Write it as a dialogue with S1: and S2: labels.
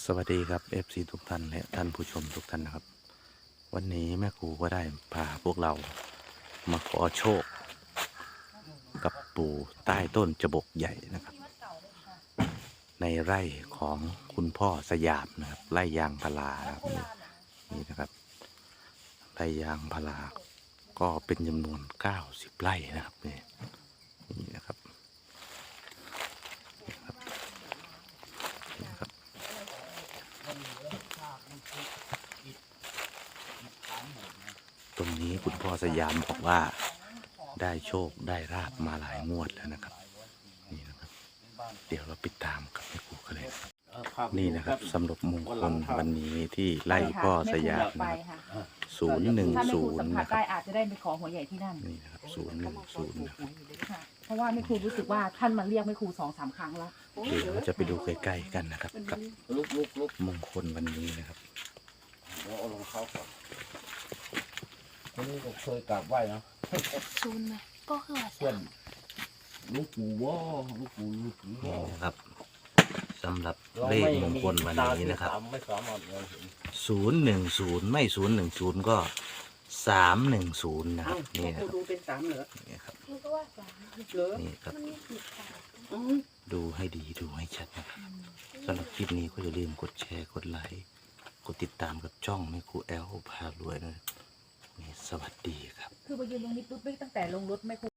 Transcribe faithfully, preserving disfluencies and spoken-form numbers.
S1: สวัสดีครับ เอฟ ซี ทุกท่านและท่านผู้ชมทุกท่านนะครับวันนี้แม่ครูก็ได้พาพวกเรามาขอโชคกับปู่ใต้ต้นจบกใหญ่นะครับในไร่ของคุณพ่อสยามนะครับไร่ยางพาราครับนี่นะครับไร่ยางพาราก็เป็นจำนวนเก้าสิบไร่นะครับนี่นี่นะครับตรงนี้คุณพ่อสยามบอกว่าได้โชคได้ราบมาหลายงวดแล้วนะครับนี่นะครับเดี๋ยวเราไปตามกับแม่ครูกันเลยนี่นะครับสำหรับมงคลวันนี้ที่ไล่พ่อสยามนะครับศูนย์หนึ่ง
S2: ถ้าแม่
S1: ศู
S2: ครู
S1: น
S2: สัม
S1: ย์
S2: ผัส
S1: นะครั
S2: ได้
S1: บ
S2: อาจจะได้ไปขอหัวใหญ่ที่นั่น
S1: นี่นะครับศูนย์หนึ่งศูนย์นะครับ
S2: ค่ะเพราะว่าแม่ครูรู้สึกว่าท่านมาเรียกแม่ครูสองสามครั้งแล้ว
S1: เดี๋ยวเราจะไปดูใกล้ๆกันนะครับกับ
S3: ลุกลุกลุก
S1: มงคลวันนี้นะครับ
S3: เดี๋ยวเอารองเท้าก่อนคนนี้ก็เคยกราบไหว้เนาะ
S4: ซูนไหมก็คือว่า
S3: เพื่อนลูกปู่ว่าลูกปู่ลูกปู่ว่า
S1: นี่นะครับสำหรับเลขมงคลวันนี้นะครับ
S3: ไม่สามารถมองเห็น
S1: ศูนย์หนึ่งศูนย์ไม่ศูนย์หนึ่งศูนย์ก็สามหนึ่งศูนย์นะครับนี่
S2: แม่
S1: นะ
S2: ครู
S1: ครับ
S2: ดูเป็นสามเหรอ
S1: นี่ครับ
S4: มันก็ว่าสาม
S2: เหรอ
S1: นี่ครับ
S4: มันมีสีขาว
S2: อืม
S1: ดูให้ดีดูให้ชัดนะครับสำหรับคลิปนี้ก็อย่าลืมกดแชร์กดไลค์กดติดตามกับช่องแม่ครูแอลพารวยนะนี่สวัสดีครับ
S2: คือไปยืนตรงนี้ปุ๊บตั้งแต่ลงรถแม่ครู